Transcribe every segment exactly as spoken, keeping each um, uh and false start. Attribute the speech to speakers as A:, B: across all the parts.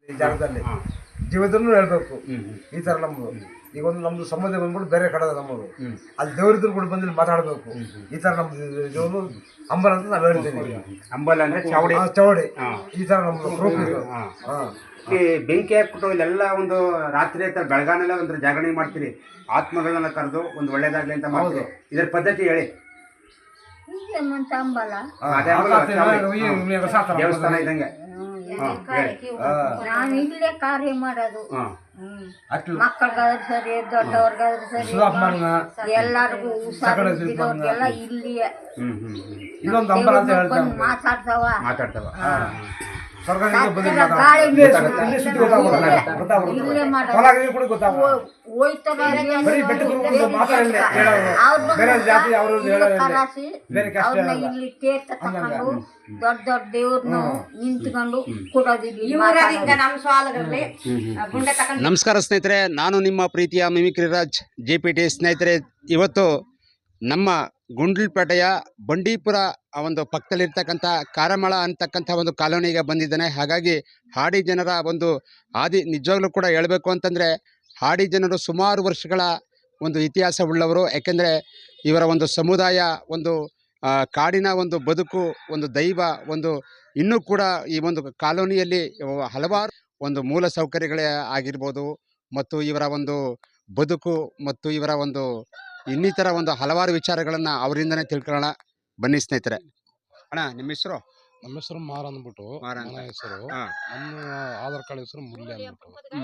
A: ಈ ಜಾಗದಲ್ಲಿ ಜೀವದನ್ನು ಹೇಳ್ಬೇಕು. ಈ ತರ ನಮ್ದು ಈಗ ಒಂದು ನಮ್ದು ಸಂಬಂಧ ಬಂದ್ಬಿಟ್ಟು ಬೇರೆ ಕಡೆ ನಮ್ಮದು ಅಲ್ಲಿ ದೇವರಿದ್ರು ಕೂಡ ಬಂದು ಮಾತಾಡಬೇಕು. ಈ ತರ ನಮ್ದು ಅಂಬಲ್ ಅಂತ ನಾವು ಹೇಳ್ತೀವಿ.
B: ಅಂಬಲ್ ಅಂದ್ರೆ ಚೌಡಿ
A: ಚೌಡಿ ಈ ತರ ನಮ್ದು ಪ್ರೂಫ್ ಇದು.
B: ಈ ಬೆಂಕಿ ಹಾಕ್ಬಿಟ್ಟು ಇಲ್ಲೆಲ್ಲ ಒಂದು ರಾತ್ರಿ ಆಯ್ತಾ ಬೆಳಗಾನೆಲ್ಲ ಒಂದು ಜಾಗರಣೆ ಮಾಡ್ತೀರಿ, ಆತ್ಮಗಳನ್ನ ಕರೆದು ಒಂದು ಒಳ್ಳೇದಾಗ್ಲಿ ಅಂತ ಮಾಡ್ತೀವಿ. ಇದ್ರ ಪದ್ಧತಿ ಹೇಳಿ. ದೇವಸ್ಥಾನ ಇದ್ದಂಗೆ
C: ನಾನು ಇಲ್ಲೇ ಕಾರ್ಯ ಮಾಡೋದು. ಮಕ್ಕಳಿಗಾದ್ರೂ ಸರಿ, ದೊಡ್ಡವ್ರಿಗಾದ್ರೂ ಸರಿ, ಎಲ್ಲರಿಗೂ ಹುಷಾರಿದ್ದವ್ರಿಗೆಲ್ಲ ಇಲ್ಲಿಯೇ ಮಾತಾಡ್ತಾವ
B: ಮಾತಾಡ್ತಾವ
C: ಇಲ್ಲಿ ತೀರ್ಥ ತಕೊಂಡು ದೊಡ್ಡ ದೊಡ್ಡ ದೇವ್ರನ್ನು ನಿಂತ್ಕೊಂಡು ಕೊಡೋದಿಲ್ಲ.
B: ನಮಸ್ಕಾರ ಸ್ನೇಹಿತರೆ, ನಾನು ನಿಮ್ಮ ಪ್ರೀತಿಯ mimicry Raj J P T. ಸ್ನೇಹಿತರೆ, ಇವತ್ತು ನಮ್ಮ ಗುಂಡ್ಲುಪೇಟೆಯ ಬಂಡೀಪುರ ಆ ಒಂದು ಪಕ್ಕದಲ್ಲಿರ್ತಕ್ಕಂಥ ಕಾರಮಳ ಅಂತಕ್ಕಂಥ ಒಂದು ಕಾಲೋನಿಗೆ ಬಂದಿದ್ದಾನೆ. ಹಾಗಾಗಿ ಹಾಡಿ ಜನರ ಒಂದು ಆದಿ ನಿಜವಾಗ್ಲೂ ಕೂಡ ಹೇಳಬೇಕು ಅಂತಂದರೆ ಹಾಡಿ ಜನರು ಸುಮಾರು ವರ್ಷಗಳ ಒಂದು ಇತಿಹಾಸವುಳ್ಳವರು. ಯಾಕೆಂದರೆ ಇವರ ಒಂದು ಸಮುದಾಯ ಒಂದು ಕಾಡಿನ ಒಂದು ಬದುಕು, ಒಂದು ದೈವ, ಒಂದು ಇನ್ನೂ ಕೂಡ ಈ ಒಂದು ಕಾಲೋನಿಯಲ್ಲಿ ಹಲವಾರು ಒಂದು ಮೂಲ ಸೌಕರ್ಯಗಳೇ ಆಗಿರ್ಬೋದು, ಮತ್ತು ಇವರ ಒಂದು ಬದುಕು ಮತ್ತು ಇವರ ಒಂದು ಇನ್ನಿತರ ಒಂದು ಹಲವಾರು ವಿಚಾರಗಳನ್ನು ಅವರಿಂದನೇ ತಿಳ್ಕೊಳ್ಳೋಣ. ಬನ್ನಿ ಸ್ನೇಹಿತರೆ. ಅಣ್ಣ, ನಿಮ್ಮ ಹೆಸರು?
D: ನಮ್ಮ ಹೆಸರು ಮಾರ ಅಂದ್ಬಿಟ್ಟು ನನ್ನ ಹೆಸರು. ನಮ್ಮ ಆಧಾರ್ ಕಾರ್ಡ್ ಹೆಸರು ಮುಲ್ಲೆ ಅಂದ್ಬಿಟ್ಟು.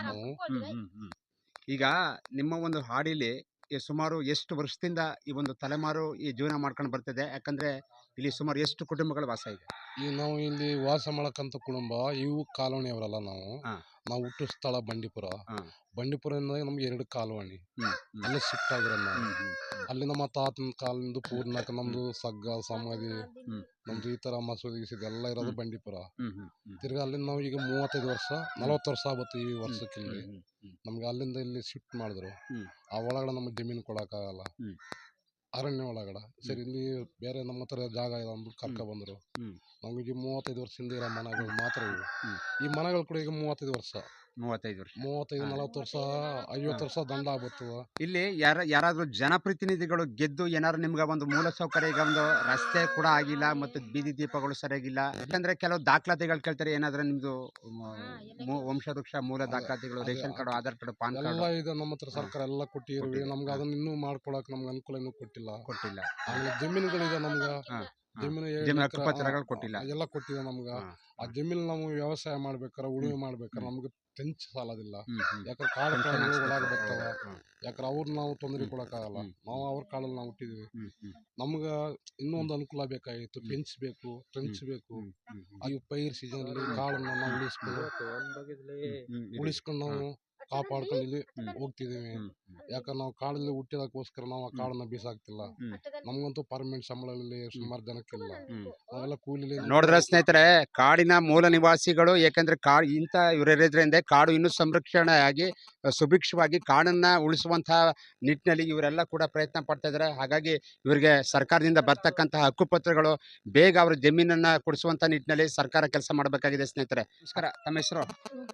B: ಈಗ ನಿಮ್ಮ ಒಂದು ಹಾಡಿಲಿ ಸುಮಾರು ಎಷ್ಟು ವರ್ಷದಿಂದ ಈ ಒಂದು ತಲೆಮಾರು ಈ ಜೀವನ ಮಾಡ್ಕೊಂಡು ಬರ್ತದೆ? ಯಾಕಂದ್ರೆ ಇಲ್ಲಿ ಸುಮಾರು ಎಷ್ಟು ಕುಟುಂಬಗಳ ವಾಸ ಇದೆ?
D: ಈಗ ನಾವು ಇಲ್ಲಿ ವಾಸ ಮಾಡಕ್ಕಂತ ಕುಟುಂಬ ಇವು ಕಾಲೋನಿಯವರಲ್ಲ. ನಾವು ನಾವು ಹುಟ್ಟು ಸ್ಥಳ ಬಂಡೀಪುರ. ಬಂಡೀಪುರದಿಂದ ನಮ್ಗೆ ಎರಡು ಕಾಲೋನಿ ಅಲ್ಲಿ ಶಿಫ್ಟ್ ಆಗಿರೋ ನಾವು. ಅಲ್ಲಿ ನಮ್ಮ ತಾತನ ಕಾಲದಿಂದ ಪೂರ್ಣಕ ನಮ್ದು ಸಗ್ಗ ಸಮಾಧಿ ನಮ್ದು ಈ ತರ ಮಸೂದಿ ಗಿಸೂದಿ ಎಲ್ಲ ಇರೋದು ಬಂಡೀಪುರ. ತಿರ್ಗಾ ಅಲ್ಲಿಂದ ನಾವು ಈಗ ಮೂವತ್ತೈದು ವರ್ಷ ನಲವತ್ತು ವರ್ಷ ಆಗುತ್ತೆ ಈ ವರ್ಷಕ್ಕೆ. ಇಲ್ಲಿ ನಮ್ಗೆ ಅಲ್ಲಿಂದ ಇಲ್ಲಿ ಶಿಫ್ಟ್ ಮಾಡಿದ್ರು. ಆ ಒಳಗಡೆ ನಮ್ಗೆ ಜಮೀನು ಕೊಡಕ್ಕಾಗಲ್ಲ, ಅರಣ್ಯ ಒಳಗಡೆ. ಸರಿ, ಇಲ್ಲಿ ಬೇರೆ ನಮ್ಮ ಹತ್ರ ಜಾಗ ಇದೆ ಅಂದ್ಬಿಟ್ಟು ಕರ್ಕ ಬಂದರು. ನಮಗೆ ಮೂವತ್ತೈದು ವರ್ಷದಿಂದ ಇರೋ ಮನೆಗಳು ಮಾತ್ರ ಇವು. ಈ ಮನೆಗಳು ಕೂಡ ಈಗ ಮೂವತ್ತೈದು ವರ್ಷ
B: ಮೂವತ್ತೈದು ವರ್ಷ
D: ಮೂವತ್ತೈದು ನಲವತ್ತು ವರ್ಷ ಐವತ್ತು ವರ್ಷ ದಂಡ ಆಗ್ಬರ್ತದ.
B: ಇಲ್ಲಿ ಯಾರ ಯಾರಾದ್ರೂ ಜನಪ್ರತಿನಿಧಿಗಳು ಗೆದ್ದು ಏನಾದ್ರು ನಿಮ್ಗೆ ಒಂದು ಮೂಲ ಸೌಕರ್ಯ, ಈಗ ಒಂದು ರಸ್ತೆ ಕೂಡ ಆಗಿಲ್ಲ ಮತ್ತು ಬೀದಿ ದೀಪಗಳು ಸರಿಯಾಗಿಲ್ಲ, ಯಾಕಂದ್ರೆ ಕೆಲವು ದಾಖಲಾತಿಗಳು ಕೇಳ್ತಾರೆ. ಏನಾದ್ರೂ ನಿಮ್ದು ವಂಶವೃಕ್ಷ ಮೂಲ ದಾಖಲಾತಿಗಳು, ration card, Aadhaar card, PAN card
D: ಎಲ್ಲ ಇದೆ ನಮ್ಮ ಹತ್ರ. ಸರ್ಕಾರ ಎಲ್ಲ ಕೊಟ್ಟಿರ್ವಿ. ನಮ್ಗೆ ಅದನ್ನ ಇನ್ನೂ ಮಾಡ್ಕೊಳಕ್ ನಮ್ಗೆ ಅನುಕೂಲ ಇನ್ನೂ ಕೊಟ್ಟಿಲ್ಲ ಕೊಟ್ಟಿಲ್ಲ ಆಮೇಲೆ ಜಮೀನುಗಳಿದೆ ನಮ್ಗೆ. ಜಮೀನು
B: ಕೊಟ್ಟಿಲ್ಲ,
D: ಎಲ್ಲ ಕೊಟ್ಟಿದೆ ನಮ್ಗೆ. ಆ ಜಮೀನು ನಾವು ವ್ಯವಸಾಯ ಮಾಡ್ಬೇಕಾರೆ, ಉಳುಮೆ ಮಾಡ್ಬೇಕಾರೆ ನಮ್ಗೆ ಟೆಂಚ್ ಸಾಲದಿಲ್ಲ. ಯಾಕಂದ್ರೆ ಕಾಡು ಪ್ರಾಣಿಗಳು ಒಳಗೆ ಬರ್ತಾವ. ಯಾಕಂದ್ರೆ ಅವ್ರ ನಾವು ತೊಂದರೆ ಕೊಡಕ್ಕಾಗಲ್ಲ. ನಾವು ಅವ್ರ ಕಾಲಲ್ಲಿ ನಾವು ಹುಟ್ಟಿದ್ವಿ. ನಮ್ಗ ಇನ್ನೂ ಒಂದು ಅನುಕೂಲ ಬೇಕಾಗಿತ್ತು. ಪೆಂಚ್ ಬೇಕು, ಟ್ರೆಂಚ್ ಬೇಕು. ಈ ಪೈರ್ ಸೀಸನ್ ಅಲ್ಲಿ ಕಾಳನ್ನ ನಾವು ಉಳಿಸ್ಕೊಂಡು ಉಳಿಸ್ಕೊಂಡು ನಾವು ಕಾಪಾಡ್ಕೊಂಡು ಇಲ್ಲಿ ಹೋಗ್ತಿದೀವಿ. ಯಾಕಂದ್ರೆ ನಾವು ಕಾಡಲ್ಲಿ ಹುಟ್ಟಿದಕ್ಕೋಸ್ಕರ ನಾವು ಆ ಕಾಡನ್ನ ಬೀಸಾಕ್ತಿಲ್ಲ. ನಮ್ಗಂತೂ ಪರ್ಮನೆಂಟ್ ಸಂಬಳದಲ್ಲಿ ಸುಮಾರು ಜನಕ್ಕಿಲ್ಲ. ನಾವೆಲ್ಲ ಕೂಲಿ.
B: ನೋಡಿದ್ರೆ ಸ್ನೇಹಿತರೆ, ಕಾಡಿನ ಮೂಲ ನಿವಾಸಿಗಳು, ಯಾಕಂದ್ರೆ ಕಾಡು ಇಂಥ ಇವರಿರೋದ್ರಿಂದ ಕಾಡು ಇನ್ನೂ ಸಂರಕ್ಷಣೆ ಆಗಿ ಸುಭಿಕ್ಷವಾಗಿ ಕಾಡನ್ನ ಉಳಿಸುವಂತಹ ನಿಟ್ಟಿನಲ್ಲಿ ಇವರೆಲ್ಲ ಕೂಡ ಪ್ರಯತ್ನ ಪಡ್ತಾ ಇದ್ದಾರೆ. ಹಾಗಾಗಿ ಇವರಿಗೆ ಸರ್ಕಾರದಿಂದ ಬರ್ತಕ್ಕಂತಹ ಹಕ್ಕುಪತ್ರಗಳು ಬೇಗ ಅವ್ರ ಜಮೀನನ್ನ ಕೊಡಿಸುವಂತ ನಿಟ್ಟಿನಲ್ಲಿ ಸರ್ಕಾರ ಕೆಲಸ ಮಾಡಬೇಕಾಗಿದೆ. ಸ್ನೇಹಿತರೆ ನಮಸ್ಕಾರ, ತಮ್ಮ ಹೆಸರು?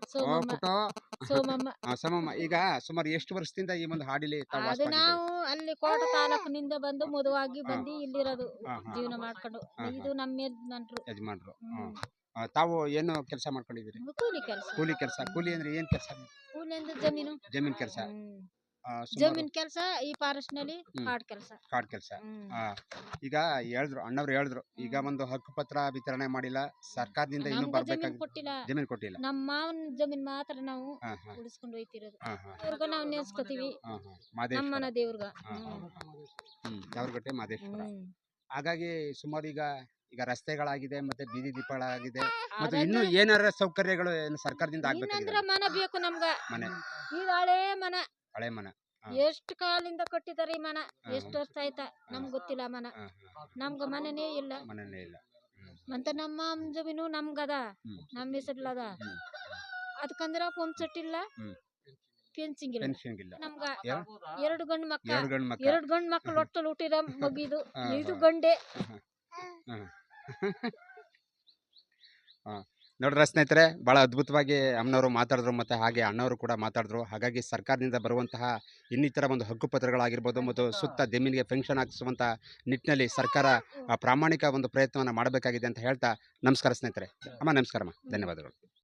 B: ಸಮಮ್ಮ. ಈಗ ಸುಮಾರು ಎಷ್ಟು ವರ್ಷದಿಂದ ಈ ಒಂದು ಹಾಡಿಲಿ
E: ನಾವು ಅಲ್ಲಿ ಕೋಟ ತಾಲೂಕಿನಿಂದ ಬಂದು ಮದುವಾಗಿ ಬಂದು ಇಲ್ಲಿರೋದು, ಜೀವನ ಮಾಡ್ಕೊಂಡು. ಇದು ನಮ್ಮ ಯಜಮಾನ್ರು
B: ಯಜಮಾನ್ರು ತಾವು ಏನು ಕೆಲಸ ಮಾಡ್ಕೊಂಡಿದ್ದೀರಿ?
E: ಕೂಲಿ ಕೆಲಸ.
B: ಕೂಲಿ ಕೆಲಸ. ಕೂಲಿ ಅಂದ್ರೆ ಏನ್ ಕೆಲಸ?
E: ಕೂಲಿ ಅಂದ್ರೆ ಜಮೀನು
B: ಜಮೀನ್ ಕೆಲಸ.
E: ಜಮೀನ್ ಕೆಲಸ, ಈ ಫಾರೆಸ್ಟ್ ನಲ್ಲಿ ಕಾಡ್ ಕೆಲಸ.
B: ಕಾಡ್ ಕೆಲಸ. ಈಗ ಹೇಳಿದ್ರು, ಅಣ್ಣವ್ರು ಹೇಳಿದ್ರು, ಈಗ ಒಂದು ಹಕ್ಕು ಪತ್ರ ವಿತರಣೆ ಮಾಡಿಲ್ಲ ಸರ್ಕಾರದಿಂದ, ಇನ್ನೂ ಬರ್ಬೇಕಾಗಿಲ್ಲ, ಜಮೀನ್ ಕೊಟ್ಟಿಲ್ಲ.
E: ನಮ್ಮ ಮಾವನ ಜಮೀನ್ ಮಾತ್ರ ನಾವು ಉಳಿಸ್ಕೊಂಡು ಹೋಯ್ತಿರೋದು. ಅವ್ರಿಗ ನಾವು ನೆನ್ಸ್ಕೊತೀವಿ, ನಮ್ಮನ ದೇವ್ರಿಗ.
B: ದೇವ್ರಗಟ್ಟೆ ಮಾದೇಶ್ವರ. ಹಾಗಾಗಿ ಸುಮಾರು ಈಗ ಈಗ ರಸ್ತೆಗಳಾಗಿದೆ, ಮತ್ತೆ ಬೀದಿ ದೀಪಗಳಾಗಿದೆ, ಮತ್ತೆ ಇನ್ನು ಏನಾರ ಸೌಕರ್ಯಗಳು ಸರ್ಕಾರದಿಂದ ಆಗ್ಬೇಕಾಗಿದೆ.
E: ಮನ ಬೇಕು ನಮ್ಗ.
B: ಮನೆ
E: ಇದು ಹಳೆ ಮನ,
B: ಹಳೆ ಮನ.
E: ಎಷ್ಟು ಕಾಲಿಂದ ಕಟ್ಟಿದಾರೆ ಈ ಮನ, ಎಷ್ಟು ವರ್ಷ ಆಯ್ತಾ ನಮ್ಗೆ ಗೊತ್ತಿಲ್ಲ. ಮನ ನಮ್ಗ ಮನೆನೇ ಇಲ್ಲ,
B: ಮನೆನೇ ಇಲ್ಲ.
E: ಮತ್ತೆ ನಮ್ಮ ಜಮೀನು ನಮ್ಗದ, ನಮ್ಮ ಹೆಸರ್ಲದ. ಅದಕ್ಕಂದ್ರ ಪಂಪ್ ಸೆಟ್ ಇಲ್ಲ, ಫೆನ್ಸಿಂಗ್ ಇಲ್ಲ. ನಮ್ಗ ಎರಡು ಗಂಡು ಮಕ್ಕಳು, ಎರಡು ಗಂಡು ಮಕ್ಕಳು ಒಟ್ಟಲ್ಲಿ ಹುಟ್ಟಿದ ಮಗಿದು. ಇದು ಗಂಡೆ.
B: ನೋಡ್ರ ಸ್ನೇಹಿತರೆ, ಭಾಳ ಅದ್ಭುತವಾಗಿ ಅಮ್ಮನವರು ಮಾತಾಡಿದ್ರು ಮತ್ತು ಹಾಗೆ ಅಣ್ಣವರು ಕೂಡ ಮಾತಾಡಿದ್ರು. ಹಾಗಾಗಿ ಸರ್ಕಾರದಿಂದ ಬರುವಂತಹ ಇನ್ನಿತರ ಒಂದು ಹಕ್ಕುಪತ್ರಗಳಾಗಿರ್ಬೋದು ಮತ್ತು ಸುತ್ತ ಜಮೀನಿಗೆ ಫೆನ್ಷನ್ ಹಾಕಿಸುವಂಥ ನಿಟ್ಟಿನಲ್ಲಿ ಸರ್ಕಾರ ಆ, ಪ್ರಾಮಾಣಿಕ ಒಂದು ಪ್ರಯತ್ನವನ್ನು ಮಾಡಬೇಕಾಗಿದೆ ಅಂತ ಹೇಳ್ತಾ ನಮಸ್ಕಾರ ಸ್ನೇಹಿತರೆ. ಅಮ್ಮ ನಮಸ್ಕಾರಮ್ಮ, ಧನ್ಯವಾದಗಳು.